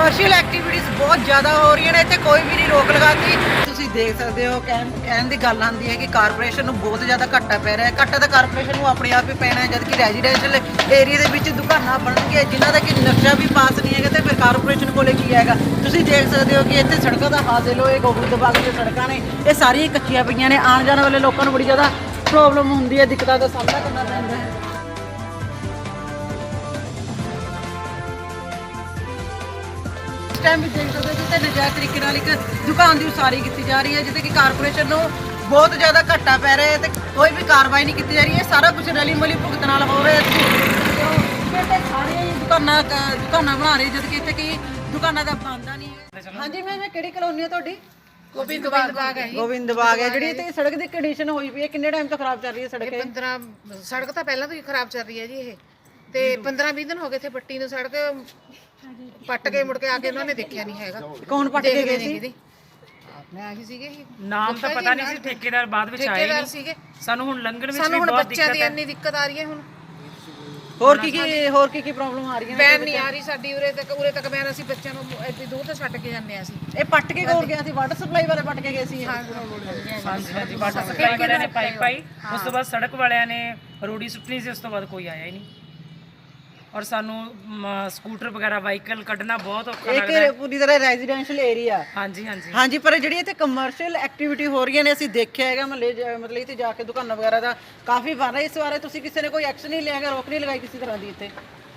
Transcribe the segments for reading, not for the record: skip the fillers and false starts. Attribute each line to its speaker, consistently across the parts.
Speaker 1: Commercial activities ਬਹੁਤ ਜ਼ਿਆਦਾ ਹੋ ਰਹੀਆਂ ਨੇ, ਇੱਥੇ ਕੋਈ ਵੀ ਨਹੀਂ ਰੋਕ ਲਗਾਤੀ। ਤੁਸੀਂ ਦੇਖ ਸਕਦੇ ਹੋ, ਕਹਿਣ ਦੀ ਗੱਲ ਆਉਂਦੀ ਹੈ ਕਿ ਕਾਰਪੋਰੇਸ਼ਨ ਨੂੰ ਬਹੁਤ ਜ਼ਿਆਦਾ ਘਾਟਾ ਪੈ ਰਿਹਾ ਹੈ। ਘਾਟਾ ਤਾਂ ਕਾਰਪੋਰੇਸ਼ਨ ਨੂੰ ਆਪਣੇ ਆਪ ਹੀ ਪੈਣਾ ਹੈ, ਜਦਕਿ ਰੈਜ਼ੀਡੈਂਸ਼ੀਅਲ ਏਰੀਆ ਦੇ ਵਿੱਚ ਦੁਕਾਨਾਂ ਬਣਨਗੀਆਂ ਜਿਨ੍ਹਾਂ ਦਾ ਕਿ ਨਕਸ਼ਾ ਵੀ ਪਾਸ ਨਹੀਂ ਹੈਗਾ, ਤੇ ਫਿਰ ਕਾਰਪੋਰੇਸ਼ਨ ਕੋਲੇ ਕੀ ਹੈਗਾ। ਤੁਸੀਂ ਦੇਖ ਸਕਦੇ ਹੋ ਕਿ ਇੱਥੇ ਸੜਕਾਂ ਦਾ ਹਾਲ ਦੇਖ ਲਓ, ਇਹ ਗੋਬਿੰਦ ਬਾਗ ਦੀਆਂ ਸੜਕਾਂ ਨੇ, ਇਹ ਸਾਰੀਆਂ ਕੱਚੀਆਂ ਪਈਆਂ ਨੇ। ਆਉਣ ਜਾਣ ਵਾਲੇ ਲੋਕਾਂ ਨੂੰ ਬੜੀ ਜ਼ਿਆਦਾ ਪ੍ਰੋਬਲਮ ਹੁੰਦੀ ਹੈ, ਦਿੱਕਤਾਂ ਦਾ ਸਾਹਮਣਾ ਕਰਨਾ ਪੈਂਦਾ ਹੈ। ਟਾਈਮ ਵੀ ਦੇਖ ਸਕਦੇ ਹੋ ਕਿ ਨਜਾਇਜ਼ ਤਰੀਕੇ ਨਾਲ ਇੱਕ ਦੁਕਾਨ ਦੀ ਉਸਾਰੀ ਕੀਤੀ ਜਾ ਰਹੀ ਹੈ, ਜਿਹਦੇ ਕਿ ਕਾਰਪੋਰੇਸ਼ਨ ਨੂੰ ਬਹੁਤ ਜ਼ਿਆਦਾ ਘਾਟਾ ਪੈ ਰਿਹਾ ਹੈ ਤੇ ਕੋਈ ਵੀ ਕਾਰਵਾਈ ਨਹੀਂ ਕੀਤੀ ਜਾ ਰਹੀ ਹੈ। ਸਾਰਾ ਕੁਝ ਰਲੀ ਮਿਲੀ ਭੁਗਤ ਨਾਲ ਹੋ ਰਿਹਾ ਹੈ। ਸਾਰੇ ਦੁਕਾਨਾਂ ਬਣਾ ਰਹੇ, ਜਦ ਕਿ ਇੱਥੇ ਕੀ ਦੁਕਾਨਾਂ ਦਾ ਬੰਦਾ ਨਹੀਂ ਹੈ। ਹਾਂਜੀ ਮੈਂ ਕਿਹੜੀ ਕਲੋਨੀ ਹੈ ਤੁਹਾਡੀ?
Speaker 2: ਗੋਬਿੰਦ ਬਾਗ ਹੈ।
Speaker 1: ਗੋਬਿੰਦ ਬਾਗ ਹੈ। ਜਿਹੜੀ ਇੱਥੇ ਸੜਕ ਦੀ ਕੰਡੀਸ਼ਨ ਹੋਈ ਪਈ ਹੈ, ਕਿੰਨੇ ਟਾਈਮ ਤੋਂ ਖਰਾਬ ਚੱਲ ਰਹੀ ਹੈ ਸੜਕ?
Speaker 2: 15 ਸੜਕ ਤਾਂ ਪਹਿਲਾਂ ਤੋਂ ਹੀ ਖਰਾਬ ਚੱਲ ਰਹੀ ਹੈ ਜੀ ਇਹ, ਤੇ 15-20 ਦਿਨ ਹੋ ਗਏ ਇੱਥੇ ਪੱਟੀ ਨੂੰ। ਸੜਕ ਪੱਟ ਕੇ ਮੁੜ ਕੇ ਆ ਕੇ ਉਹਨਾਂ ਨੇ ਦੇਖਿਆ ਨਹੀਂ ਹੈਗਾ।
Speaker 1: ਕੌਣ ਪੱਟ ਕੇ ਗਏ ਸੀ?
Speaker 2: ਮੈਂ ਆਹੀ ਸੀਗੇ,
Speaker 3: ਨਾਮ ਤਾਂ ਪਤਾ ਨਹੀਂ ਸੀ, ਠੇਕੇਦਾਰ ਬਾਅਦ ਵਿੱਚ ਆਏ ਨਹੀਂ
Speaker 2: ਸੀਗੇ।
Speaker 3: ਸਾਨੂੰ ਹੁਣ ਲੰਘਣ ਵਿੱਚ
Speaker 2: ਸਾਨੂੰ
Speaker 3: ਵੀ
Speaker 2: ਹੁਣ
Speaker 3: ਬਹੁਤ
Speaker 2: ਬੱਚਿਆਂ
Speaker 3: ਦਿੱਕਤ
Speaker 2: ਦੀ
Speaker 3: ਹੈ।
Speaker 2: ਇੰਨੀ ਦਿੱਕਤ ਆ ਰਹੀ ਹੈ। ਹੁਣ
Speaker 1: ਹੋਰ ਕੀ ਪ੍ਰੋਬਲਮ ਆ ਰਹੀਆਂ ਨੇ?
Speaker 2: ਵੈਨ ਨਹੀਂ ਆ ਰਹੀ ਸਾਡੀ ਉਰੇ ਤੱਕ ਵੈਨ। ਅਸੀਂ ਬੱਚਿਆਂ ਨੂੰ ਇੱਥੇ ਦੂਰ ਤੋਂ ਛੱਡ ਕੇ ਜਾਂਦੇ ਆ। ਅਸੀਂ
Speaker 1: ਇਹ ਪੱਟ ਕੇ ਕੋਲ ਗਿਆ ਸੀ, ਵਾਟਰ ਸਪਲਾਈ ਵਾਲੇ ਪੱਟ ਕੇ ਗਏ ਸੀ।
Speaker 3: ਹਾਂਜੀ ਵਾਟਰ ਸਪਲਾਈ ਵਾਲਿਆਂ ਨੇ ਪਾਈਪ ਪਾਈ, ਉਸ ਤੋਂ ਬਾਅਦ ਸੜਕ ਵਾਲਿਆਂ ਨੇ ਰੋੜੀ ਸੁੱਟਣੀ ਸੀ, ਉਸ ਤੋਂ ਬਾਅਦ ਕੋਈ ਆਇਆ ਹੀ ਨਹੀਂ। ਔਰ ਸਾਨੂੰ ਸਕੂਟਰ ਵਗੈਰਾ ਵਾਹੀਕਲ ਕੱਢਣਾ ਬਹੁਤ ਔਖਾ ਲੱਗਦਾ ਹੈ।
Speaker 1: ਇਹ ਪੂਰੀ ਤਰ੍ਹਾਂ ਰੈਜ਼ੀਡੈਂਸ਼ੀਅਲ ਏਰੀਆ। ਹਾਂਜੀ ਪਰ ਜਿਹੜੀ ਇੱਥੇ ਕਮਰਸ਼ੀਅਲ ਐਕਟੀਵਿਟੀ ਹੋ ਰਹੀਆਂ ਨੇ, ਅਸੀਂ ਦੇਖਿਆ ਹੈਗਾ ਮਹੱਲੇ ਮਤਲਬ ਇੱਥੇ ਜਾ ਕੇ ਦੁਕਾਨਾਂ ਵਗੈਰਾ ਦਾ ਕਾਫੀ ਬਣ ਰਿਹਾ। ਇਸ ਬਾਰੇ ਤੁਸੀਂ ਕਿਸੇ ਨੇ ਕੋਈ ਐਕਸ਼ਨ ਨਹੀਂ ਲਿਆ ਹੈਗਾ, ਰੋਕ ਨਹੀਂ ਲਗਾਈ ਕਿਸੇ ਤਰ੍ਹਾਂ ਦੀ ਇੱਥੇ?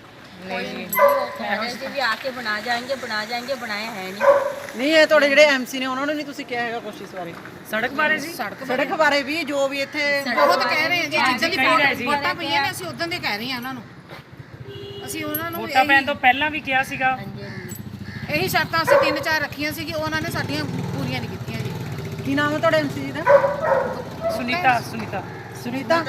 Speaker 4: भी आके बना जाएंगे बनाए हैं नहीं।
Speaker 1: ਇਹ ਤੁਹਾਡੇ ਜਿਹੜੇ ਐਮਸੀ ਨੇ ਉਹਨਾਂ ਨੂੰ ਨਹੀਂ ਤੁਸੀਂ ਕਿਹਾ ਹੈਗਾ ਕੁਛ ਇਸ ਬਾਰੇ?
Speaker 3: ਸੜਕ ਬਾਰੇ ਜੀ,
Speaker 1: ਸੜਕ ਬਾਰੇ ਵੀ ਜੋ ਵੀ ਇੱਥੇ
Speaker 2: ਬਹੁਤ ਕਹਿ ਰਹੇ ਆ ਜੀ, ਜਿੱਦਾਂ ਦੀ ਵੋਟਾਂ ਪਈਆਂ ਨੇ ਅਸੀਂ ਉਦੋਂ ਦੇ ਕਹਿ ਰਹੇ ਆ ਉਹਨਾਂ ਨੂੰ। ਅਸੀਂ ਉਹਨਾਂ ਨੂੰ
Speaker 3: ਵੋਟਾਂ ਪੈਣ ਤੋਂ ਪਹਿਲਾਂ ਵੀ ਕਿਹਾ ਸੀਗਾ।
Speaker 2: ਇਹੀ ਸ਼ਰਤਾਂ ਅਸੀਂ 3-4 ਰੱਖੀਆਂ ਸੀ ਕਿ ਉਹਨਾਂ ਨੇ ਸਾਡੀਆਂ ਪੂਰੀਆਂ ਨਹੀਂ ਕੀਤੀਆਂ ਜੀ।
Speaker 1: ਕੀ ਨਾਮ ਹੈ ਤੁਹਾਡੇ ਐਮਸੀ ਜੀ ਦਾ? ਸੁਨੀਤਾ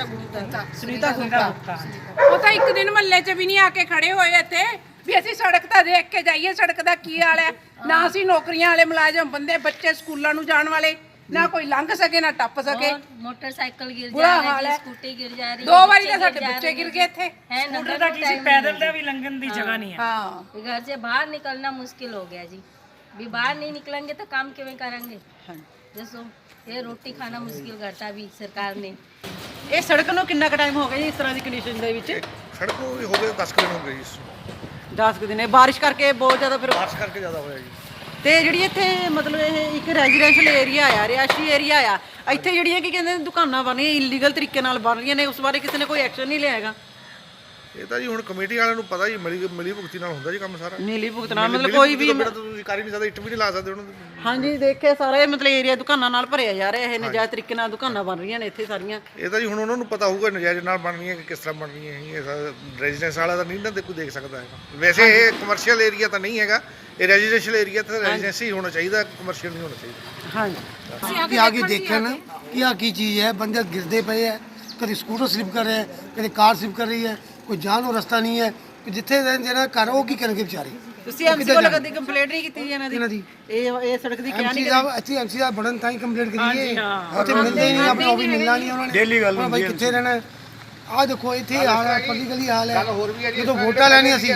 Speaker 1: ਗੁਪਤਾ।
Speaker 5: ਉਹ ਤਾਂ ਇੱਕ ਦਿਨ ਮਹੱਲੇ 'ਚ ਵੀ ਨਹੀਂ ਆ ਕੇ ਖੜੇ ਹੋਏ ਇੱਥੇ ਵੀ ਅਸੀਂ ਸੜਕ ਤਾਂ ਦੇਖ ਕੇ ਜਾਈਏ, ਸੜਕ ਦਾ ਕੀ ਹਾਲ ਹੈ। ਨਾ ਅਸੀਂ ਨੌਕਰੀਆਂ ਵਾਲੇ ਮੁਲਾਜ਼ਮ ਬੰਦੇ, ਬੱਚੇ ਸਕੂਲਾਂ ਨੂੰ ਜਾਣ ਵਾਲੇ, ਨਾ ਕੋਈ ਲੰਘ ਸਕੇ ਨਾ ਟੱਪ ਸਕੇ।
Speaker 4: मोटरसाइकिल गिर
Speaker 5: बुरा
Speaker 4: जा
Speaker 5: हाल
Speaker 4: रही
Speaker 5: है।
Speaker 4: है, स्कूटी गिर जा रही है,
Speaker 5: 2 ਵਾਰੀ ਤਾਂ ਸਾਡੇ ਬੱਚੇ ਗਿਰ ਗਏ ਇੱਥੇ।
Speaker 4: है
Speaker 3: ਸਕੂਟਰ ਦਾ ਕੀ ਸੀ, ਪੈਦਲ ਦਾ ਵੀ ਲੰਘਣ ਦੀ ਜਗ੍ਹਾ ਨਹੀਂ ਹੈ।
Speaker 5: ਹਾਂ
Speaker 4: घर से बाहर निकलना मुश्किल हो गया जी। भी बाहर नहीं निकलेंगे तो काम किवें करेंगे? जैसो ये रोटी खाना मुश्किल करता भी सरकार ने।
Speaker 1: ਇਹ ਸੜਕ ਨੂੰ ਕਿੰਨਾ ਕੁ ਟਾਈਮ ਹੋ ਗਿਆ ਜੀ ਇਸ ਤਰ੍ਹਾਂ ਦੀ ਕੰਡੀਸ਼ਨ ਦੇ ਵਿੱਚ?
Speaker 6: ਸੜਕ ਨੂੰ ਵੀ ਹੋ ਗਏ 10 ਦਿਨ ਹੋ ਗਏ ਜੀ।
Speaker 1: 10 ਕੁ ਦਿਨ ਬਾਰਿਸ਼ ਕਰਕੇ ਬਹੁਤ ਜ਼ਿਆਦਾ ਫਿਰ
Speaker 6: ਬਾਰਿਸ਼ ਕਰਕੇ ਜ਼ਿਆਦਾ ਹੋਇਆ ਜੀ।
Speaker 1: ਤੇ ਜਿਹੜੀ ਇੱਥੇ ਮਤਲਬ ਇਹ ਇੱਕ ਰੈਜ਼ੀਡੈਂਸ਼ੀਅਲ ਏਰੀਆ ਆ, ਰਿਹਾਇਸ਼ੀ ਏਰੀਆ ਆ, ਇੱਥੇ ਜਿਹੜੀਆਂ ਕੀ ਕਹਿੰਦੇ ਨੇ ਦੁਕਾਨਾਂ ਬਣ ਰਹੀਆਂ ਇਲੀਗਲ ਤਰੀਕੇ ਨਾਲ ਬਣ ਰਹੀਆਂ ਨੇ, ਉਸ ਬਾਰੇ ਕਿਸੇ ਨੇ ਕੋਈ ਐਕਸ਼ਨ ਨਹੀਂ ਲਿਆ ਹੈਗਾ?
Speaker 6: ਇਹ ਤਾਂ ਜੀ ਹੁਣ ਕਮੇਟੀ ਵਾਲਿਆਂ ਨੂੰ ਪਤਾ ਜੀ, ਮਿਲੀ ਭੁਗਤੀ ਨਾਲ ਹੁੰਦਾ ਜੀ ਕੰਮ ਸਾਰਾ।
Speaker 1: ਨੀਲੀ ਭੁਗਤਣਾ ਮਤਲਬ ਕੋਈ ਵੀ
Speaker 6: ਤੁਸੀਂ ਕਰ ਹੀ ਨਹੀਂ ਸਕਦੇ, ਇੱਟ ਵੀ ਨਹੀਂ ਲਾ ਸਕਦੇ ਉਹਨਾਂ ਦੇ।
Speaker 1: ਹਾਂਜੀ ਦੇਖਿਆ ਸਾਰਾ ਮਤਲਬ ਏਰੀਆ ਦੁਕਾਨਾਂ ਨਾਲ ਭਰਿਆ ਜਾ ਰਿਹਾ। ਇਹ ਨਜਾਇਜ਼ ਤਰੀਕੇ ਨਾਲ ਦੁਕਾਨਾਂ ਬਣ ਰਹੀਆਂ ਨੇ ਇੱਥੇ ਸਾਰੀਆਂ।
Speaker 6: ਇਹ ਤਾਂ ਜੀ ਹੁਣ ਉਹਨਾਂ ਨੂੰ ਪਤਾ ਹੋਊਗਾ ਨਜਾਇਜ਼ ਨਾਲ ਬਣ ਰਹੀਆਂ ਕਿ ਕਿਸ ਤਰ੍ਹਾਂ ਬਣ ਰਹੀਆਂ ਹੈਗੀਆਂ। ਰੈਜ਼ੀਡੈਂਸ ਵਾਲਾ ਤਾਂ ਨਹੀਂ ਨਾ ਕੋਈ ਦੇਖ ਸਕਦਾ ਹੈਗਾ। ਵੈਸੇ ਇਹ ਕਮਰਸ਼ੀਅਲ ਏਰੀਆ ਤਾਂ ਨਹੀਂ ਹੈਗਾ, ਇਹ ਰੈਜ਼ੀਡੈਂਸ਼ੀਅਲ ਏਰੀਆ ਤੇ ਰੈਜ਼ੀਡੈਂਸੀ ਹੀ ਹੋਣਾ ਚਾਹੀਦਾ, ਕਮਰਸ਼ੀਅਲ ਨਹੀਂ ਹੋਣਾ ਚਾਹੀਦਾ।
Speaker 1: ਹਾਂਜੀ
Speaker 7: ਆ ਕੇ ਦੇਖਣ ਕਿ ਆ ਕੀ ਚੀਜ਼ ਹੈ। ਬੰਦੇ ਗਿਰਦੇ ਪਏ ਹੈ, ਕਦੇ ਸਕੂਟਰ ਸਲਿਪ ਕਰ ਰਿਹਾ ਹੈ, ਕਦੇ ਕਾਰ ਸਲਿਪ ਕਰ ਰਹੀ ਹੈ, ਕੋਈ ਜਾਣ ਨੂੰ ਰਸਤਾ ਨਹੀਂ ਹੈ। ਜਿੱਥੇ ਜਿਹੜਾ ਘਰ ਉਹ ਕੀ ਕਰਨਗੇ ਵਿਚਾਰੇ?
Speaker 1: ਤੁਸੀਂ ਐਮਸੀ ਕੋਲ ਕਦੀ ਕੰਪਲੇਂਟ ਨਹੀਂ ਕੀਤੀ ਜੀ ਇਹਨਾਂ ਦੀ? ਇਹ ਸੜਕ ਦੀ ਕਿਹਾ
Speaker 7: ਐਮਸੀ
Speaker 1: ਨਹੀਂ?
Speaker 7: ਸਾਹਿਬ ਇੱਥੇ ਐਮਸੀ ਸਾਹਿਬ ਬੜਨ ਤਾਂ ਹੀ ਕੰਪਲੇਂਟ ਕਰੀਏ, ਉੱਥੇ ਮਿਲਦੇ ਹੀ ਨਹੀਂ। ਆਪਣਾ ਉਹ ਵੀ ਮਿਲਣਾ ਨਹੀਂ ਉਹਨਾਂ ਨੇ। ਡੇਲੀ ਗੱਲ ਹੁੰਦੀ ਹੈ ਕਿੱਥੇ ਰਹਿਣਾ। ਆਹ ਦੇਖੋ ਇੱਥੇ ਹਾਲ ਹੈ, ਪੱਕੀ ਗਲੀ ਹਾਲ ਹੈ। ਜਦੋਂ ਵੋਟਾਂ ਲੈਣੀਆਂ ਸੀ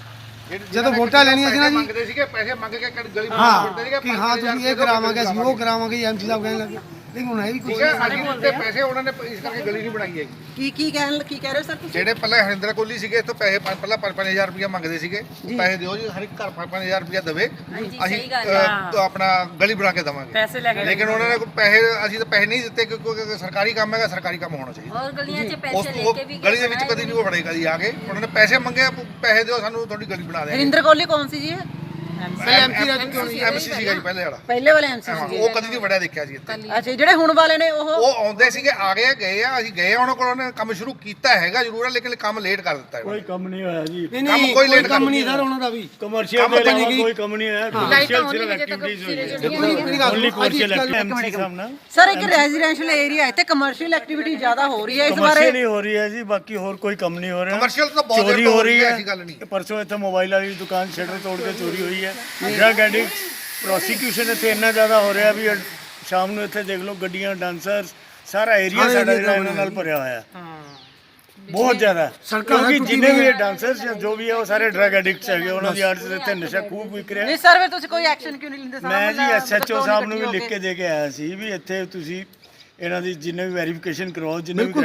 Speaker 7: ਨਾ ਜੀ,
Speaker 6: ਮੰਗਦੇ ਸੀਗੇ ਪੈਸੇ ਮੰਗ ਕੇ ਗਲੀ
Speaker 7: ਹਾਂ ਕਿ ਹਾਂ ਤੁਸੀਂ ਇਹ ਕਰਾਵਾਂਗੇ, ਅਸੀਂ ਉਹ ਕਰਾਵਾਂਗੇ, ਐਮਸੀ ਸਾਹਿਬ ਕਹਿਣ ਲੱਗੇ। ਲੇਕਿਨ ਹੁਣ ਇਹ ਵੀ ਕੁਝ
Speaker 6: ਤੇ ਪੈਸੇ ਉਹਨਾਂ ਨੇ ਇਸ ਕਰਕੇ ਗਲੀ ਨਹੀਂ ਬਣਾਈ ਹੈਗੀ।
Speaker 1: ਕੀ ਕਹਿ ਰਹੇ ਹੋ ਸਰ ਤੁਸੀਂ?
Speaker 6: ਜਿਹੜੇ ਪਹਿਲਾਂ ਹਰਿੰਦਰ ਕੋਹਲੀ ਸੀਗੇ ਇੱਥੋਂ ਪੈਸੇ ਪਹਿਲਾਂ 5-5000 ਰੁਪਇਆ ਮੰਗਦੇ ਸੀਗੇ, ਪੈਸੇ ਦਿਓ ਜੀ, ਹਰ ਇੱਕ ਘਰ 5-5000 ਰੁਪਇਆ ਦੇਵੇ, ਅਸੀਂ ਆਪਣਾ ਗਲੀ ਬਣਾ ਕੇ ਦੇਵਾਂਗੇ
Speaker 3: ਪੈਸੇ ਲੈ ਕੇ।
Speaker 6: ਲੇਕਿਨ ਉਹਨਾਂ ਨੇ ਪੈਸੇ, ਅਸੀਂ ਤਾਂ ਪੈਸੇ ਨਹੀਂ ਦਿੱਤੇ ਕਿਉਂਕਿ ਸਰਕਾਰੀ ਕੰਮ ਹੈਗਾ, ਸਰਕਾਰੀ ਕੰਮ ਹੋਣਾ ਚਾਹੀਦਾ।
Speaker 4: और गलियां से पैसे लेके भी
Speaker 6: ਗਲੀ ਦੇ ਵਿੱਚ ਕਦੀ ਨਹੀਂ ਉਹ ਫੜੇਗਾ ਜੀ। ਆ ਕੇ ਉਹਨਾਂ ਨੇ ਪੈਸੇ ਮੰਗੇ, ਪੈਸੇ ਦਿਓ ਸਾਨੂੰ, ਤੁਹਾਡੀ ਗਲੀ ਬਣਾ ਦੇਵਾਂਗੇ।
Speaker 1: ਹਰਿੰਦਰ ਕੋਹਲੀ ਕੌਣ ਸੀ ਜੀ?
Speaker 6: ਐਮਸੀ ਸੀਗਾ ਜੀ ਪਹਿਲੇ ਵਾਲਾ,
Speaker 1: ਪਹਿਲੇ ਵਾਲੇ ਐਮਸੀ
Speaker 6: ਹਾਂ,
Speaker 1: ਸੀ।
Speaker 6: ਉਹ ਕਦੀ ਨਹੀਂ ਵੜਿਆ ਦੇਖਿਆ ਜੀ ਇੱਥੇ।
Speaker 1: ਅੱਛਾ ਜਿਹੜੇ ਹੁਣ ਵਾਲੇ ਨੇ
Speaker 6: ਉਹ ਆਉਂਦੇ ਸੀਗੇ, ਆ ਗਏ ਗਏ ਆ, ਅਸੀਂ ਗਏ ਉਹਨਾਂ ਕੋਲ, ਉਹਨੇ ਕੰਮ ਸ਼ੁਰੂ ਕੀਤਾ ਹੈਗਾ ਜ਼ਰੂਰ ਹੈ, ਲੇਕਿਨ ਕੰਮ ਲੇਟ ਕਰ ਦਿੱਤਾ ਹੈ।
Speaker 8: ਕੋਈ ਕੰਮ ਨਹੀਂ ਹੋਇਆ ਜੀ।
Speaker 7: ਨਹੀਂ
Speaker 6: ਕੋਈ ਲੇਟ
Speaker 7: ਕੰਮ ਨਹੀਂ ਸਰ ਉਹਨਾਂ ਦਾ ਵੀ।
Speaker 8: ਕਮਰਸ਼ੀਅਲ ਦੇ ਇਲਾਵਾ ਕੋਈ ਕੰਮ ਨਹੀਂ ਹੋਇਆ।
Speaker 2: ਲਾਈਟਾਂ
Speaker 8: ਕਮਰਸ਼ੀਅਲ
Speaker 2: ਹੋਣੀ
Speaker 8: ਸਿਰਫ
Speaker 2: ਅਜੇ ਤੱਕ
Speaker 8: ਐਕਟੀਵਿਟੀਜ਼ ਹੋਈ ਹੈ।
Speaker 7: ਮੇਰੀ ਗੱਲ
Speaker 8: ਓਨਲੀ
Speaker 7: ਸੁਣੋ,
Speaker 8: ਕਮਰਸ਼ੀਅਲ ਐਮਸੀ ਸਾਹਿਬ ਨਾਲ।
Speaker 1: ਸਰ ਇੱਕ ਰੈਜ਼ੀਡੈਂਸ਼ੀਅਲ ਏਰੀਆ ਇੱਥੇ ਕਮਰਸ਼ੀਅਲ ਐਕਟੀਵਿਟੀ ਜ਼ਿਆਦਾ ਹੋ ਰਹੀ ਹੈ, ਇਸ ਬਾਰੇ
Speaker 8: ਕਮਰਸ਼ੀਅਲ ਹੀ ਹੋ ਰਹੀ ਹੈ ਜੀ, ਬਾਕੀ ਹੋਰ ਕੋਈ ਕੰਮ ਨਹੀਂ ਹੋ ਰਿਹਾ।
Speaker 6: ਕਮਰਸ਼ੀਅਲ ਤਾਂ ਬਹੁਤ
Speaker 8: ਚੋਰੀ ਹੋ ਰਹੀ ਹੈ,
Speaker 6: ਐਸੀ ਗੱਲ ਨਹੀਂ।
Speaker 8: ਪਰਸੋਂ ਇੱਥੇ ਮੋਬਾਈਲ ਵਾਲੀ ਦੁਕਾਨ ਸ਼ਟਰ ਤੋੜ ਕੇ ਚੋਰੀ ਹੋਈ ਹੈ। ਡਰਗ ਐਡਿਕਟ ਪ੍ਰੋਸੀਕਿਊਸ਼ਨ ਇੱਥੇ ਇੰਨਾ ਜ਼ਿਆਦਾ ਹੋ ਰਿਹਾ ਵੀ ਸ਼ਾਮ ਨੂੰ ਇੱਥੇ ਦੇਖ ਲਓ ਗੱਡੀਆਂ, ਡਾਂਸਰਸ, ਸਾਰਾ ਏਰੀਆ ਸਾਡਾ ਜਿਹੜਾ ਇਹਨਾਂ ਨਾਲ ਭਰਿਆ ਹੋਇਆ। ਬਹੁਤ ਜ਼ਿਆਦਾ ਕਿਉਂਕਿ ਜਿੰਨੇ ਵੀ ਡਾਂਸਰਸ ਜਾਂ ਜੋ ਵੀ ਹੈ ਉਹ ਸਾਰੇ ਡਰਗ ਐਡਿਕਟਸ ਹੈਗੇ, ਉਹਨਾਂ ਦੀ ਆਰਟਸ ਇੱਥੇ ਨਸ਼ਾ ਖੂਬ ਵਿਕ ਰਿਹਾ।
Speaker 1: ਨਹੀਂ ਸਰ ਫਿਰ ਤੁਸੀਂ ਕੋਈ ਐਕਸ਼ਨ ਕਿਉਂ ਨਹੀਂ ਲੈਂਦੇ?
Speaker 8: ਮੈਂ ਜੀ ਐਸਐਚਓ ਸਾਹਿਬ ਨੂੰ ਵੀ ਲਿਖ ਕੇ ਦੇ ਕੇ ਆਇਆ ਸੀ ਵੀ ਇੱਥੇ ਤੁਸੀਂ ਇਹਨਾਂ ਦੀ ਜਿੰਨੇ ਵੀ ਵੈਰੀਫਿਕੇਸ਼ਨ ਕਰਵਾਓ, ਜਿੰਨੇ ਵੀ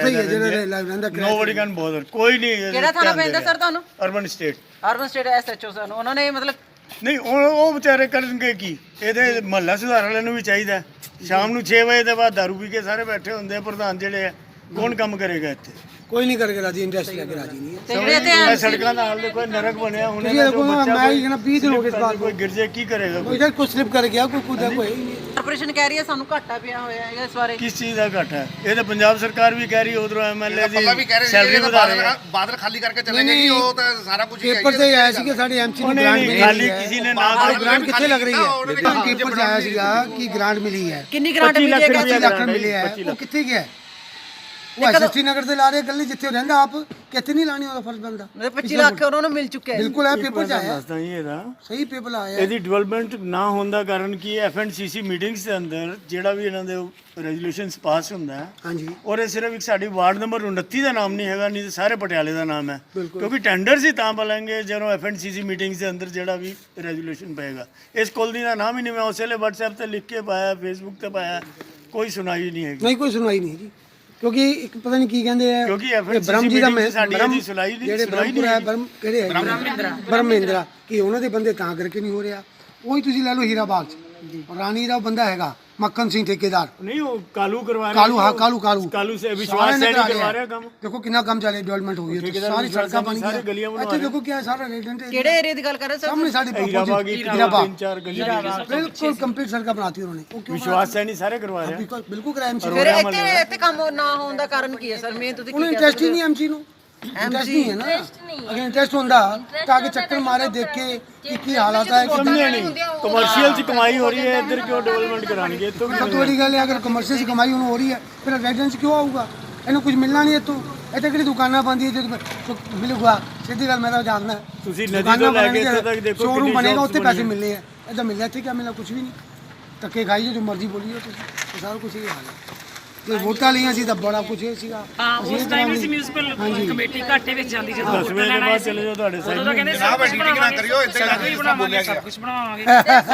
Speaker 8: ਨੋਬਡੀ ਕੈਨ ਬੋਦਰ, ਕੋਈ ਨਹੀਂ।
Speaker 1: ਕਿਹੜਾ ਥਾਣਾ ਪੈਂਦਾ ਸਰ ਤੁਹਾਨੂੰ?
Speaker 8: ਅਰਬਨ ਸਟੇਟ
Speaker 1: ਐਸਐਚਓ ਸਰ ਨੂੰ ਉਹਨਾਂ ਨੇ ਮਤਲਬ
Speaker 8: ਨਹੀਂ, ਉਹ ਵਿਚਾਰੇ ਕਰਨਗੇ ਕੀ? ਇਹਦੇ ਮਹੱਲਾ ਸੁਧਾਰ ਵਾਲਿਆਂ ਨੂੰ ਵੀ ਚਾਹੀਦਾ। ਸ਼ਾਮ ਨੂੰ 6 ਵਜੇ ਦੇ ਬਾਅਦ ਦਾਰੂ ਪੀ ਕੇ ਸਾਰੇ ਬੈਠੇ ਹੁੰਦੇ ਆ ਪ੍ਰਧਾਨ ਜਿਹੜੇ ਆ, ਕੌਣ ਕੰਮ ਕਰੇਗਾ ਇੱਥੇ?
Speaker 7: ਕੋਈ ਨਹੀਂ ਕਰਕੇ ਰਾਜੀ, ਇੰਟਰਸਟ ਲੈ ਕੇ ਰਾਜੀ ਨਹੀਂ ਹੈ।
Speaker 1: ਤੇ ਜਿਹੜੇ ਤੇ
Speaker 8: ਇਹ ਸੜਕਾਂ ਦਾ ਹਾਲ ਦੇਖੋ, ਨਰਕ ਬਣਿਆ ਹੁਣ।
Speaker 7: ਤੁਸੀਂ ਦੇਖੋ ਨਾ, ਮੈਂ ਹੀ ਕਹਿੰਦਾ 20 ਦਿਨ ਹੋ ਗਏ ਇਸ ਬਾਤ
Speaker 8: ਕੋਈ ਗਿਰ ਜੇ ਕੀ ਕਰੇਗਾ?
Speaker 7: ਕੋਈ ਇਧਰ ਕੋਈ ਸਲਿਪ ਕਰ ਗਿਆ, ਕੋਈ ਕੁਦਾ ਕੋਈ ਨਹੀਂ।
Speaker 1: ਕਾਰਪੋਰੇਸ਼ਨ ਕਹਿ ਰਹੀ ਹੈ ਸਾਨੂੰ ਘਾਟਾ ਪਿਆ ਹੋਇਆ ਹੈ ਇਸ ਬਾਰੇ।
Speaker 8: ਕਿਸ ਚੀਜ਼ ਦਾ ਘਾਟਾ ਹੈ? ਇਹ ਤਾਂ ਪੰਜਾਬ ਸਰਕਾਰ ਵੀ ਕਹਿ ਰਹੀ, ਉਧਰੋਂ ਐਮਐਲਏ ਦੀ ਸੈਲਰੀ ਵਧਾ ਰਹੇ ਆ।
Speaker 6: ਬਾਦਲ ਖਾਲੀ ਕਰਕੇ ਚਲੇ ਗਏ ਜੀ, ਉਹ ਤਾਂ ਸਾਰਾ ਕੁਝ
Speaker 7: ਪੇਪਰ ਤੇ ਆਇਆ ਸੀ ਕਿ ਸਾਡੇ ਐਮਸੀ ਨੂੰ ਗ੍ਰਾਂਟ ਮਿਲੀ
Speaker 8: ਖਾਲੀ ਕਿਸੇ ਨੇ ਨਾ
Speaker 7: ਗ੍ਰਾਂਟ ਕਿੱਥੇ ਲੱਗ ਰਹੀ ਹੈ? ਪੇਪਰ 'ਚ ਆਇਆ ਸੀਗਾ ਕਿ ਗ੍ਰਾਂਟ ਮਿਲੀ ਹੈ,
Speaker 1: ਕਿੰਨੀ ਗ੍ਰਾਂਟ ਮਿਲੀ ਹੈ?
Speaker 7: 25 ਲੱਖ ਮਿਲੇ ਹੈ। ਉਹ ਕਿੱਥੇ ਗਿਆ? ਉਹ ਐਸਐਸਟੀ ਨਗਰ ਤੇ ਲਾ ਰਹੇ ਗੱਲੀ ਜਿੱਥੇ ਰਹਿੰਦਾ ਆਪ, ਕਿੱਥੇ ਨਹੀਂ ਲਾਣੀ ਉਹਦਾ ਫਰਜ਼ ਬੰਦਾ।
Speaker 1: 25 ਲੱਖ ਉਹਨਾਂ ਨੂੰ ਮਿਲ ਚੁੱਕਿਆ ਹੈ।
Speaker 7: ਬਿਲਕੁਲ ਹੈ, ਪੇਪਰ 'ਚ ਆਇਆ
Speaker 8: ਦੱਸਦਾ ਜੀ ਇਹਦਾ
Speaker 7: ਸਹੀ ਪੇਪਰ ਆਇਆ।
Speaker 8: ਇਹਦੀ ਡਿਵੈਲਪਮੈਂਟ ਨਾ ਹੋਣ ਦਾ ਕਾਰਨ ਕੀ ਹੈ? ਐਫਐਨਸੀਸੀ ਮੀਟਿੰਗਸ ਦੇ ਅੰਦਰ ਜਿਹੜਾ ਵੀ ਇਹਨਾਂ ਦੇ ਰੈਜ਼ੋਲੂਸ਼ਨਸ ਪਾਸ ਹੁੰਦਾ ਹੈ,
Speaker 7: ਹਾਂਜੀ,
Speaker 8: ਔਰ ਇਹ ਸਿਰਫ ਇੱਕ ਸਾਡੀ ਵਾਰਡ ਨੰਬਰ 29 ਦਾ ਨਾਮ ਨਹੀਂ ਹੈਗਾ, ਨਹੀਂ ਤਾਂ ਸਾਰੇ ਪਟਿਆਲੇ ਦਾ ਨਾਮ ਹੈ। ਕਿਉਂਕਿ ਟੈਂਡਰਸ ਹੀ ਤਾਂ ਬੋਲਾਂਗੇ ਜਦੋਂ ਐਫਐਨਸੀਸੀ ਮੀਟਿੰਗਸ ਦੇ ਅੰਦਰ ਜਿਹੜਾ ਵੀ ਰੈਜ਼ੋਲੂਸ਼ਨ ਪਏਗਾ। ਇਸ ਕਾਲੋਨੀ ਦਾ ਨਾਮ ਹੀ ਨਹੀਂ, ਮੈਂ ਉਸੇ ਲਈ WhatsApp ਤੇ ਲਿਖ ਕੇ ਪਾਇਆ, Facebook ਤੇ ਪਾਇਆ, ਕੋਈ ਸੁਣਾਈ ਨਹੀਂ ਹੈਗੀ।
Speaker 7: ਨਹੀਂ ਕੋਈ ਸੁਣਵਾਈ ਨਹੀਂ ਜੀ, ਕਿਉਂਕਿ ਇੱਕ ਪਤਾ ਨਹੀਂ ਕੀ ਕਹਿੰਦੇ ਆ,
Speaker 8: ਕਿਉਂਕਿ
Speaker 7: ਬ੍ਰਹਮ ਜੀ ਦਾ
Speaker 8: ਸਾਡੀ ਇਹਦੀ ਸੁਣਾਈ ਨਹੀਂ,
Speaker 7: ਜਿਹੜੇ ਬ੍ਰਹਮਪੁਰ ਹੈ, ਕਿਹੜੇ ਹੈ ਬ੍ਰਹਮਿੰਦਰਾ, ਕਿ ਉਹਨਾਂ ਦੇ ਬੰਦੇ ਤਾਂ ਕਰਕੇ ਨਹੀਂ ਹੋ ਰਿਹਾ। ਉਹੀ ਤੁਸੀਂ ਲੈ ਲਓ ਹੀਰਾ ਬਾਗ 'ਚ ਰਾਣੀ ਦਾ ਬੰਦਾ ਹੈਗਾ ਮੱਖਣ ਸਿੰਘ ਠੇਕੇਦਾਰ,
Speaker 8: ਨਹੀਂ ਉਹ ਕਾਲੂ ਕਰਵਾ ਰਿਹਾ।
Speaker 7: ਕਾਲੂ, ਹਾਂ ਕਾਲੂ
Speaker 8: ਸੇ ਵਿਸ਼ਵਾਸ ਸੈਣੀ ਕਰਵਾ ਰਿਹਾ ਕੰਮ।
Speaker 7: ਦੇਖੋ ਕਿੰਨਾ ਕੰਮ ਚੱਲੇ, ਡਿਵੈਲਪਮੈਂਟ ਹੋ ਗਈ ਹੈ, ਸਾਰੀ ਸੜਕਾਂ ਬਣ
Speaker 8: ਸਾਰੇ ਗਲੀਆਂ
Speaker 7: ਗਈਆਂ। ਇੱਥੇ ਦੇਖੋ ਕਿਆ ਸਾਰਾ ਰੈਜ਼ੀਡੈਂਟ
Speaker 1: ਕਿਹੜੇ ਏਰੀਆ ਦੀ ਗੱਲ ਕਰ ਰਹੇ ਸਰ?
Speaker 7: ਸਾਹਮਣੇ ਸਾਡੇ
Speaker 8: ਹੀਰਾ ਬਾਗ ਤਿੰਨ ਚਾਰ ਗਲੀਆਂ
Speaker 7: ਬਿਲਕੁਲ ਕੰਪਲੀਟ ਸੜਕਾਂ ਬਣਾਤੀ ਉਹਨਾਂ ਨੇ। ਉਹ ਕਿਉਂ
Speaker 8: ਵਿਸ਼ਵਾਸ ਸੈਣੀ ਸਾਰੇ ਕਰਵਾ ਰਿਹਾ।
Speaker 7: ਬਿਲਕੁਲ ਕਰਾਇਆ ਐਮਸੀ।
Speaker 1: ਫਿਰ ਇੱਥੇ ਕੰਮ ਨਾ ਹੋਣ ਦਾ ਕਾਰਨ ਕੀ ਹੈ ਸਰ? ਮੈਂ ਤੁਸੀਂ
Speaker 7: ਉਹਨੂੰ ਇੰਟਰਸਟ ਹੀ ਨਹੀਂ ਐਮਸੀ ਨੂੰ, ਇੰਟਰਸਟ ਨਹੀਂ ਹੈ ਨਾ। ਅਗਰ ਇੰਟਰਸਟ ਹੁੰਦਾ ਤਾਂ ਕਿ ਚੱਕਰ ਮਾਰੇ ਦੇਖੇ ਕਿ ਕੀ ਹਾਲਾਤ ਹੈ।
Speaker 8: ਸਮਝੇ ਨਹੀਂ, ਕਮਰਸ਼ੀਅਲ 'ਚ ਕਮਾਈ ਹੋ ਰਹੀ ਹੈ, ਇੱਧਰ ਕਿਉਂ ਡਿਵੈਲਪਮੈਂਟ ਕਰਾਣਗੇ? ਇੱਥੋਂ
Speaker 7: ਸਭ ਤੋਂ ਵੱਡੀ ਗੱਲ ਹੈ, ਅਗਰ ਕਮਰਸ਼ੀਅਲ 'ਚ ਕਮਾਈ ਉਹਨੂੰ ਹੋ ਰਹੀ ਹੈ, ਫਿਰ ਰੈਜ਼ੀਡੈਂਸ ਕਿਉਂ ਆਊਗਾ? ਇਹਨੂੰ ਕੁਝ ਮਿਲਣਾ ਨਹੀਂ ਇੱਥੋਂ। ਇੱਥੇ ਕਿਹੜੀ ਦੁਕਾਨਾਂ ਬੰਦੀ ਹੈ ਜੋ ਮਿਲੂਗਾ? ਸਿੱਧੀ ਗੱਲ ਮੈਂ ਤਾਂ ਜਾਣਦਾ,
Speaker 8: ਤੁਸੀਂ ਨਦੀ ਤੋਂ ਲੈ ਕੇ ਇੱਥੇ ਤੱਕ ਦੇਖੋ
Speaker 7: ਸ਼ੋਰੂਮ ਬਣੇਗਾ, ਉੱਥੇ ਪੈਸੇ ਮਿਲਨੇ ਆ। ਇੱਦਾਂ ਮਿਲਣਾ ਇੱਥੇ ਕਿਆ ਮਿਲਣਾ? ਕੁਝ ਵੀ ਨਹੀਂ। ਧੱਕੇ ਖਾਈਏ ਜੋ ਮਰਜ਼ੀ ਬੋਲੀਏ ਤੁਸੀਂ, ਸਾਰਾ ਕੁਝ ਇਹ ਹਾਲ ਹੈ। ਜੇ ਵੋਟਾਂ ਲਈਆਂ ਸੀ ਤਾਂ ਬੜਾ ਕੁਝ ਇਹ ਸੀਗਾ।
Speaker 3: ਹਾਂ, ਉਸ ਟਾਈਮ ਅਸੀਂ ਮਿਊਨਿਸਪਲ ਕਮੇਟੀ ਘਾਟੇ ਵਿੱਚ ਜਾਂਦੀ ਜਦੋਂ
Speaker 8: 10 ਵਜੇ ਦੇ ਬਾਅਦ ਚਲੇ ਜਾਓ ਤੁਹਾਡੇ
Speaker 3: ਉਦੋਂ ਤਾਂ ਕਹਿੰਦੇ ਸਭ ਕੁਝ ਬਣਾਵਾਂਗੇ, ਸੜਕ ਵੀ ਬਣਾਵਾਂਗੇ, ਸਭ ਕੁਝ ਬਣਾਵਾਂਗੇ।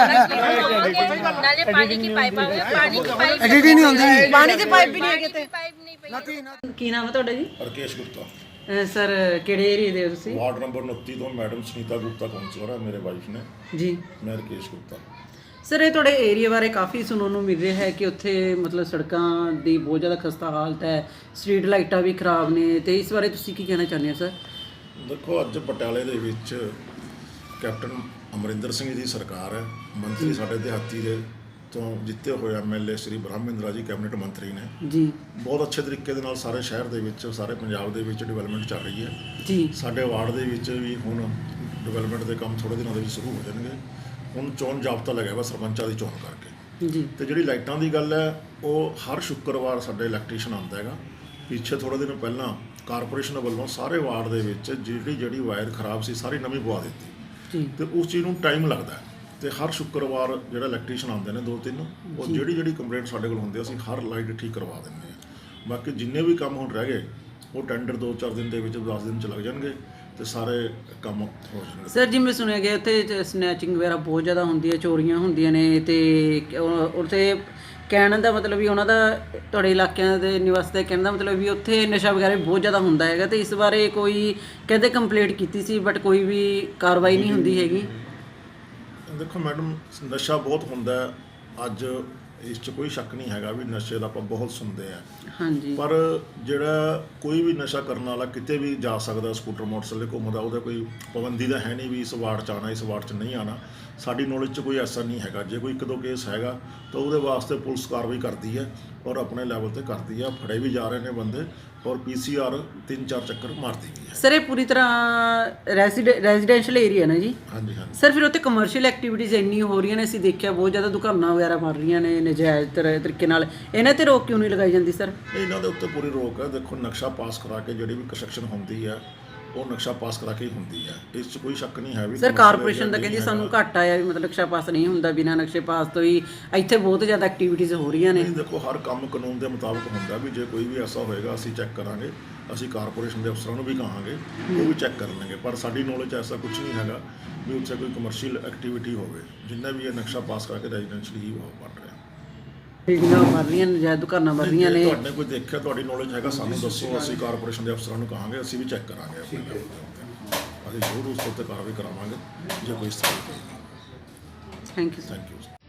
Speaker 4: नाले पानी की पाइप आ गई, पानी की पाइप
Speaker 7: ਐਡਿਟ ਨਹੀਂ ਹੁੰਦੀ।
Speaker 1: ਪਾਣੀ ਦੀ ਪਾਈਪ ਵੀ ਨਹੀਂ ਹੈਗੇ ਤੇ।
Speaker 4: पाइप नहीं पई।
Speaker 1: ਕੀ ਨਾਮ ਹੈ ਤੁਹਾਡਾ ਜੀ?
Speaker 9: ਰਕੇਸ਼ ਗੁਪਤਾ,
Speaker 1: ਸਰ ਕਿਹੜੇ ਏਰੀਆ ਦੇ ਹੋ ਤੁਸੀਂ?
Speaker 9: ਵਾਰਡ ਨੰਬਰ 29 ਤੋਂ ਮੈਡਮ ਸੁਨੀਤਾ ਗੁਪਤਾ ਕਾਉਂਸਲਰ ਹੈ, ਮੇਰੇ ਵਾਈਫ ਨੇ।
Speaker 1: ਜੀ
Speaker 9: ਮੈਂ ਰਕੇਸ਼ ਗੁਪਤਾ।
Speaker 1: ਸਰ ਇਹ ਤੁਹਾਡੇ ਏਰੀਆ ਬਾਰੇ ਕਾਫੀ ਸੁਣਨ ਨੂੰ ਮਿਲ ਰਿਹਾ ਹੈ ਕਿ ਉੱਥੇ ਮਤਲਬ ਸੜਕਾਂ ਦੀ ਬਹੁਤ ਜ਼ਿਆਦਾ ਖਸਤਾ ਹਾਲਤ ਹੈ, ਸਟਰੀਟ ਲਾਈਟਾਂ ਵੀ ਖਰਾਬ ਨੇ, ਤੇ ਇਸ ਬਾਰੇ ਤੁਸੀਂ ਕੀ ਕਹਿਣਾ ਚਾਹੁੰਦੇ ਹੋ ਸਰ?
Speaker 9: ਦੇਖੋ, ਅੱਜ ਪਟਿਆਲੇ ਦੇ ਵਿੱਚ ਕੈਪਟਨ ਅਮਰਿੰਦਰ ਸਿੰਘ ਦੀ ਸਰਕਾਰ ਹੈ। ਮੰਤਰੀ ਸਾਡੇ ਦਿਹਾਤੀ ਦੇ ਤੋਂ ਜਿੱਤੇ ਹੋਏ ਐਮਐਲਏ ਸ਼੍ਰੀ ਬ੍ਰਹਮਿੰਦਰਾ ਜੀ ਕੈਬਨਿਟ ਮੰਤਰੀ ਨੇ
Speaker 1: ਜੀ।
Speaker 9: ਬਹੁਤ ਅੱਛੇ ਤਰੀਕੇ ਦੇ ਨਾਲ ਸਾਰੇ ਸ਼ਹਿਰ ਦੇ ਵਿੱਚ, ਸਾਰੇ ਪੰਜਾਬ ਦੇ ਵਿੱਚ ਡਿਵੈਲਪਮੈਂਟ ਚੱਲ ਰਹੀ ਹੈ
Speaker 1: ਜੀ।
Speaker 9: ਸਾਡੇ ਵਾਰਡ ਦੇ ਵਿੱਚ ਵੀ ਹੁਣ ਡਿਵੈਲਪਮੈਂਟ ਦੇ ਕੰਮ ਥੋੜ੍ਹੇ ਦਿਨਾਂ ਦੇ ਵਿੱਚ ਸ਼ੁਰੂ ਹੋ ਜਾਣਗੇ। ਹੁਣ ਚੋਣ ਜਾਬਤਾ ਲੱਗਿਆ ਵਾ ਸਰਪੰਚਾਂ ਦੀ ਚੋਣ ਕਰਕੇ।
Speaker 1: ਜੀ।
Speaker 9: ਤੇ ਜਿਹੜੀ ਲਾਈਟਾਂ ਦੀ ਗੱਲ ਹੈ, ਉਹ ਹਰ ਸ਼ੁੱਕਰਵਾਰ ਸਾਡੇ ਇਲੈਕਟ੍ਰੀਸ਼ੀਅਨ ਆਉਂਦਾ ਹੈਗਾ। ਪਿੱਛੇ ਥੋੜ੍ਹੇ ਦਿਨ ਪਹਿਲਾਂ ਕਾਰਪੋਰੇਸ਼ਨ ਵੱਲੋਂ ਸਾਰੇ ਵਾਰਡ ਦੇ ਵਿੱਚ ਜਿਹੜੀ ਵਾਇਰ ਖਰਾਬ ਸੀ ਸਾਰੀ ਨਵੀਂ ਪਵਾ ਦਿੱਤੀ। ਤੇ ਉਸ ਚੀਜ਼ ਨੂੰ ਟਾਈਮ ਲੱਗਦਾ ਹੈ। ਤੇ ਹਰ ਸ਼ੁੱਕਰਵਾਰ ਜਿਹੜਾ ਇਲੈਕਟ੍ਰੀਸ਼ੀਅਨ ਆਉਂਦੇ ਨੇ 2-3, ਉਹ ਜਿਹੜੀ ਕੰਪਲੇਂਟ ਸਾਡੇ ਕੋਲ ਹੁੰਦੀ ਅਸੀਂ ਹਰ ਲਾਈਟ ਠੀਕ ਕਰਵਾ ਦਿੰਦੇ ਹਾਂ। ਬਾਕੀ ਜਿੰਨੇ ਵੀ ਕੰਮ ਹੁਣ ਰਹਿ ਗਏ ਉਹ ਟੈਂਡਰ 2-4 ਦਿਨ ਦੇ ਵਿੱਚ, 10 ਦਿਨ 'ਚ ਲੱਗ ਜਾਣਗੇ ਤੇ ਸਾਰੇ ਕੰਮ ਹੋ ਜਾਣਗੇ।
Speaker 1: ਸਰ ਜਿਵੇਂ ਸੁਣਿਆ ਗਿਆ ਉੱਥੇ ਸਨੈਚਿੰਗ ਵਗੈਰਾ ਬਹੁਤ ਜ਼ਿਆਦਾ ਹੁੰਦੀ ਹੈ, ਚੋਰੀਆਂ ਹੁੰਦੀਆਂ ਨੇ, ਤੇ ਉੱਥੇ ਕਹਿਣ ਦਾ ਮਤਲਬ ਵੀ ਉਹਨਾਂ ਦਾ, ਤੁਹਾਡੇ ਇਲਾਕਿਆਂ ਦੇ ਨਿਵਾਸੀ ਦਾ ਕਹਿਣ ਦਾ ਮਤਲਬ ਵੀ ਉੱਥੇ ਨਸ਼ਾ ਵਗੈਰਾ ਬਹੁਤ ਜ਼ਿਆਦਾ ਹੁੰਦਾ ਹੈਗਾ, ਤੇ ਇਸ ਬਾਰੇ ਕੋਈ ਕਹਿੰਦੇ ਕੰਪਲੇਂਟ ਕੀਤੀ ਸੀ ਬਟ ਕੋਈ ਵੀ ਕਾਰਵਾਈ ਨਹੀਂ ਹੁੰਦੀ ਹੈਗੀ।
Speaker 9: ਦੇਖੋ ਮੈਡਮ, ਨਸ਼ਾ ਬਹੁਤ ਹੁੰਦਾ ਹੈ। ਅੱਜ ਇਸ 'ਚ ਕੋਈ ਸ਼ੱਕ ਨਹੀਂ ਹੈਗਾ ਵੀ ਨਸ਼ੇ ਦਾ ਆਪਾਂ ਬਹੁਤ ਸੁਣਦੇ ਆ।
Speaker 1: ਹਾਂਜੀ।
Speaker 9: ਪਰ ਜਿਹੜਾ ਕੋਈ ਵੀ ਨਸ਼ਾ ਕਰਨ ਵਾਲਾ ਕਿਤੇ ਵੀ ਜਾ ਸਕਦਾ, ਸਕੂਟਰ ਮੋਟਰਸਾਈਕਲ ਘੁੰਮਦਾ, ਉਹਦਾ ਕੋਈ ਪਾਬੰਦੀ ਦਾ ਹੈ ਨਹੀਂ ਵੀ ਇਸ ਵਾਰਡ 'ਚ ਆਉਣਾ, ਇਸ ਵਾਰਡ 'ਚ ਨਹੀਂ ਆਉਣਾ। ਸਾਡੀ ਨੌਲੇਜ 'ਚ ਕੋਈ ਐਸਾ ਨਹੀਂ ਹੈਗਾ। ਜੇ ਕੋਈ 1-2 ਕੇਸ ਹੈਗਾ ਤਾਂ ਉਹਦੇ ਵਾਸਤੇ ਪੁਲਿਸ ਕਾਰਵਾਈ ਕਰਦੀ ਹੈ ਔਰ ਆਪਣੇ ਲੈਵਲ ਤੇ ਕਰਦੀ ਹੈ। ਫੜੇ ਵੀ ਜਾ ਰਹੇ ਨੇ ਬੰਦੇ ਔਰ PCR 3-4 ਚੱਕਰ ਮਾਰਦੀ ਵੀ ਹੈ।
Speaker 1: ਸਰ ਇਹ ਪੂਰੀ ਤਰ੍ਹਾਂ ਰੈਜ਼ੀਡੈਂਸ਼ੀਅਲ ਏਰੀਆ ਨਾ ਜੀ?
Speaker 9: ਹਾਂਜੀ ਹਾਂਜੀ।
Speaker 1: ਸਰ ਫਿਰ ਉੱਥੇ ਕਮਰਸ਼ੀਅਲ ਐਕਟੀਵਿਟੀਜ਼ ਇੰਨੀ ਹੋ ਰਹੀਆਂ ਨੇ, ਅਸੀਂ ਦੇਖਿਆ ਬਹੁਤ ਜ਼ਿਆਦਾ ਦੁਕਾਨਾਂ ਵਗੈਰਾ ਬਣ ਰਹੀਆਂ ਨੇ ਨਜਾਇਜ਼ ਤਰੀਕੇ ਨਾਲ, ਇਹਨਾਂ ਤੇ ਰੋਕ ਕਿਉਂ ਨਹੀਂ ਲਗਾਈ ਜਾਂਦੀ ਸਰ?
Speaker 9: ਇਹਨਾਂ ਦੇ ਉੱਤੇ ਪੂਰੀ ਰੋਕ ਹੈ। ਦੇਖੋ, ਨਕਸ਼ਾ ਪਾਸ ਕਰਾ ਕੇ ਜਿਹੜੀ ਵੀ ਕੰਸਟਰਕਸ਼ਨ ਹੁੰਦੀ ਹੈ ਉਹ ਨਕਸ਼ਾ ਪਾਸ ਕਰਾ ਕੇ ਹੀ ਹੁੰਦੀ ਹੈ। ਇਸ 'ਚ ਕੋਈ ਸ਼ੱਕ ਨਹੀਂ ਹੈ ਵੀ
Speaker 1: ਸਰ ਕਾਰਪੋਰੇਸ਼ਨ ਦਾ ਕਹਿੰਦੀ ਸਾਨੂੰ ਘੱਟ ਆਇਆ ਵੀ ਮਤਲਬ ਨਕਸ਼ਾ ਪਾਸ ਨਹੀਂ ਹੁੰਦਾ, ਬਿਨਾਂ ਨਕਸ਼ੇ ਪਾਸ ਤੋਂ ਹੀ ਇੱਥੇ ਬਹੁਤ ਜ਼ਿਆਦਾ ਐਕਟੀਵਿਟੀਜ਼ ਹੋ ਰਹੀਆਂ ਨੇ।
Speaker 9: ਨਹੀਂ, ਦੇਖੋ ਹਰ ਕੰਮ ਕਾਨੂੰਨ ਦੇ ਮੁਤਾਬਕ ਹੁੰਦਾ ਵੀ ਜੇ ਕੋਈ ਵੀ ਐਸਾ ਹੋਏਗਾ ਅਸੀਂ ਚੈੱਕ ਕਰਾਂਗੇ। ਅਸੀਂ ਕਾਰਪੋਰੇਸ਼ਨ ਦੇ ਅਫਸਰਾਂ ਨੂੰ ਵੀ ਕਹਾਂਗੇ, ਉਹ ਵੀ ਚੈੱਕ ਕਰ ਲੈਣਗੇ। ਪਰ ਸਾਡੀ ਨੌਲੇਜ ਐਸਾ ਕੁਝ ਨਹੀਂ ਹੈਗਾ ਵੀ ਉੱਥੇ ਕੋਈ ਕਮਰਸ਼ੀਅਲ ਐਕਟੀਵਿਟੀ ਹੋਵੇ। ਜਿੰਨਾ ਵੀ ਇਹ ਨਕਸ਼ਾ ਪਾਸ ਕਰਕੇ ਰੈਜ਼ੀਡੈਂਸ਼ੀਅਲ ਹੀ ਬਣ ਰਿਹਾ।
Speaker 1: ਬਿਲਡਿੰਗਾਂ ਬਣ ਰਹੀਆਂ ਨੇ, ਨਜਾਇਜ਼ ਦੁਕਾਨਾਂ ਬਣ ਰਹੀਆਂ ਨੇ।
Speaker 9: ਤੁਹਾਡੇ ਕੋਈ ਦੇਖਿਆ, ਤੁਹਾਡੀ ਨੌਲੇਜ ਹੈਗਾ, ਸਾਨੂੰ ਦੱਸੋ, ਅਸੀਂ ਕਾਰਪੋਰੇਸ਼ਨ ਦੇ ਅਫਸਰਾਂ ਨੂੰ ਕਹਾਂਗੇ, ਅਸੀਂ ਵੀ ਚੈੱਕ ਕਰਾਂਗੇ ਆਪਣੇ ਲੈਵਲ ਦੇ ਉੱਤੇ। ਅਸੀਂ ਜ਼ਰੂਰ ਉਸ ਉੱਤੇ ਕਾਰਵਾਈ ਕਰਾਵਾਂਗੇ ਜੇ ਕੋਈ ਇਸ ਤਰ੍ਹਾਂ ਦੀ।
Speaker 1: Thank you.
Speaker 9: Thank you.